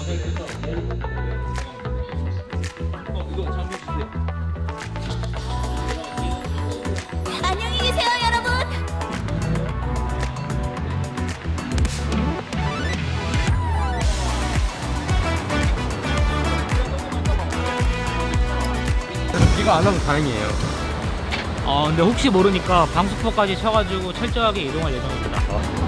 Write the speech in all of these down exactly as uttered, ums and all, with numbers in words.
안녕히 계세요, 여러분. 이거 안 하면 다행이에요. 어, 근데 혹시 모르니까 방수포까지 쳐가지고 철저하게 이동할 예정입니다.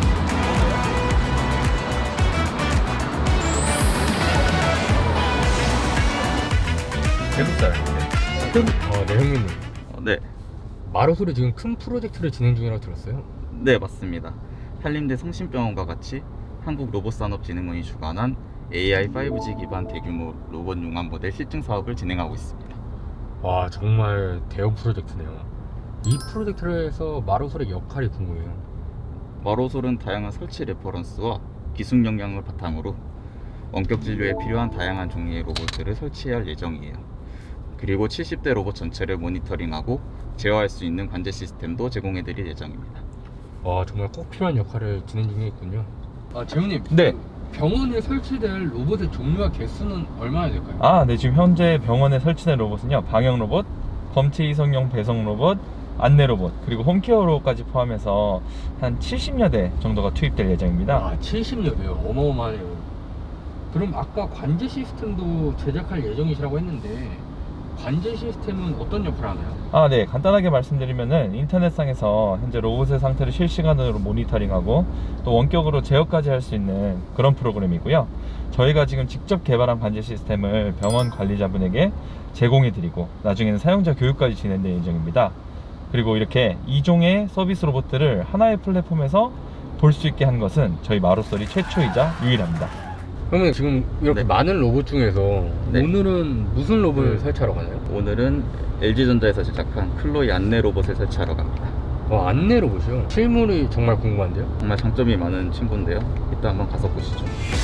대구 사람인데. 어, 네 형님. 어, 네, 마로솔이 지금 큰 프로젝트를 진행 중이라고 들었어요. 네 맞습니다. 한림대 성심병원과 같이 한국로봇산업진흥원이 주관한 에이아이 파이브지 기반 대규모 로봇 융합 모델 실증 사업을 진행하고 있습니다. 와, 정말 대형 프로젝트네요. 이 프로젝트에서 마로솔의 역할이 궁금해요. 마로솔은 다양한 설치 레퍼런스와 기술 역량을 바탕으로 원격 진료에 필요한 다양한 종류의 로봇들을 설치할 예정이에요. 그리고 칠십 대 로봇 전체를 모니터링하고 제어할 수 있는 관제 시스템도 제공해드릴 예정입니다. 와, 정말 꼭 필요한 역할을 진행 중에 있군요. 아, 재훈님. 네. 병원에 설치될 로봇의 종류와 개수는 얼마나 될까요? 아, 네. 지금 현재 병원에 설치된 로봇은요, 방역 로봇, 검체 이송용 배송 로봇, 안내 로봇, 그리고 홈케어 로봇까지 포함해서 한 칠십여 대 정도가 투입될 예정입니다. 아, 칠십여 대요. 어마어마하네요. 그럼 아까 관제 시스템도 제작할 예정이시라고 했는데 관제 시스템은 어떤 역할을 하나요? 아, 네. 간단하게 말씀드리면은 인터넷상에서 현재 로봇의 상태를 실시간으로 모니터링하고 또 원격으로 제어까지 할 수 있는 그런 프로그램이고요. 저희가 지금 직접 개발한 관제 시스템을 병원 관리자분에게 제공해드리고 나중에는 사용자 교육까지 진행될 예정입니다. 그리고 이렇게 이 종의 서비스 로봇들을 하나의 플랫폼에서 볼 수 있게 한 것은 저희 마로솔이 최초이자 유일합니다. 그러면 지금 이렇게 네. 많은 로봇 중에서 네. 오늘은 무슨 로봇을 음. 설치하러 가나요? 오늘은 엘지전자에서 제작한 클로이 안내 로봇을 설치하러 갑니다. 어, 안내 로봇이요? 실물이 정말 궁금한데요? 정말 장점이 많은 친구인데요. 이따 한번 가서 보시죠.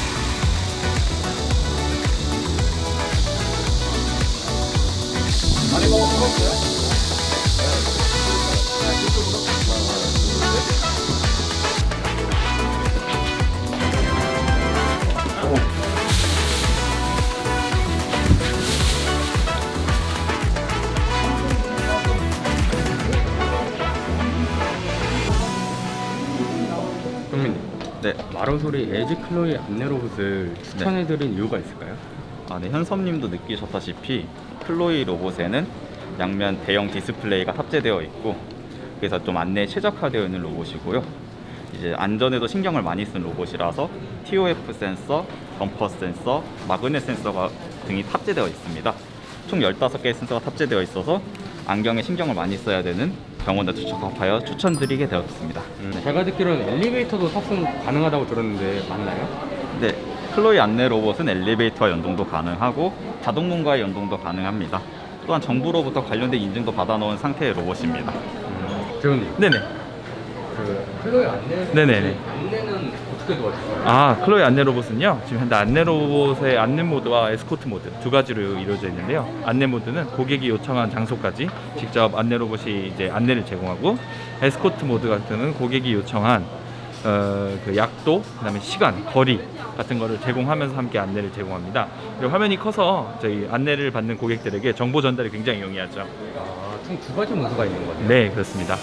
형님, 네, 마로솔이 에지 클로이 안내 로봇을 추천해드린 이유가 있을까요? 아, 네, 현섭님도 느끼셨다시피 클로이 로봇에는 양면 대형 디스플레이가 탑재되어 있고 그래서 좀 안내에 최적화되어 있는 로봇이고요. 이제 안전에도 신경을 많이 쓴 로봇이라서 티오에프 센서, 범퍼 센서, 마그넷 센서가 등이 탑재되어 있습니다. 총 열다섯 개의 센서가 탑재되어 있어서 안경에 신경을 많이 써야 되는 병원에 적합하여 추천드리게 되었습니다. 네. 제가 듣기로는 엘리베이터도 탑승 가능하다고 들었는데 맞나요? 네, 클로이 안내 로봇은 엘리베이터와 연동도 가능하고 자동문과의 연동도 가능합니다. 또한 정부로부터 관련된 인증도 받아놓은 상태의 로봇입니다. 재훈님, 네네. 그 클로이 안내 네네네. 안내는 어떻게 도와주세요? 아, 클로이 안내 로봇은요, 지금 현재 안내 로봇의 안내 모드와 에스코트 모드 두 가지로 이루어져 있는데요. 안내 모드는 고객이 요청한 장소까지 직접 안내 로봇이 이제 안내를 제공하고, 에스코트 모드 같은 경우는 고객이 요청한 어, 그 약도, 그다음에 시간, 거리 같은 거를 제공하면서 함께 안내를 제공합니다. 그리고 화면이 커서 저희 안내를 받는 고객들에게 정보 전달이 굉장히 용이하죠. 아, 총 두 가지 모드가 있는 거네요. 네, 그렇습니다.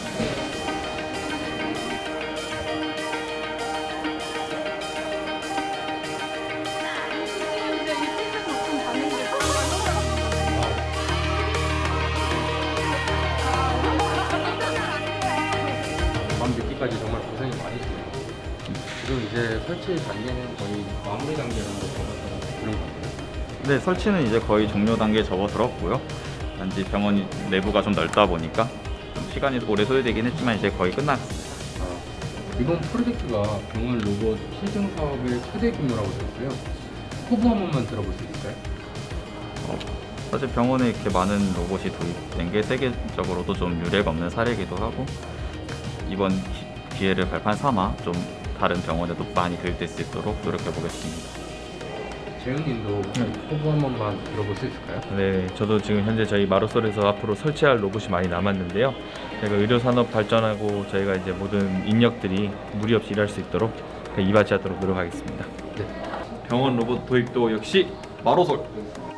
밤 늦게까지 정말 고생이 많으시네요. 지금 이제 설치 단계는 거의 마무리 단계라고 적었던 그런 건가요? 네, 설치는 이제 거의 종료 단계에 접어들었고요. 단지 병원 내부가 좀 넓다 보니까 좀 시간이 오래 소요되긴 했지만 이제 거의 끝났습니다. 이번 프로젝트가 병원 로봇 실증 사업의 최대 규모라고 들었어요. 포부 한 번만 들어볼 수 있을까요? 어, 사실 병원에 이렇게 많은 로봇이 도입된 게 세계적으로도 좀 유례가 없는 사례이기도 하고 이번 기- 기회를 발판 삼아 좀 다른 병원에도 많이 도입될 수 있도록 노력해 보겠습니다. 재훈님도 포부 한 번만 들어볼 수 있을까요? 네, 저도 지금 현재 저희 마로솔에서 앞으로 설치할 로봇이 많이 남았는데요. 저희가 의료산업 발전하고 저희가 이제 모든 인력들이 무리 없이 일할 수 있도록 이바지하도록 노력하겠습니다. 네. 병원 로봇 도입도 역시 마로솔.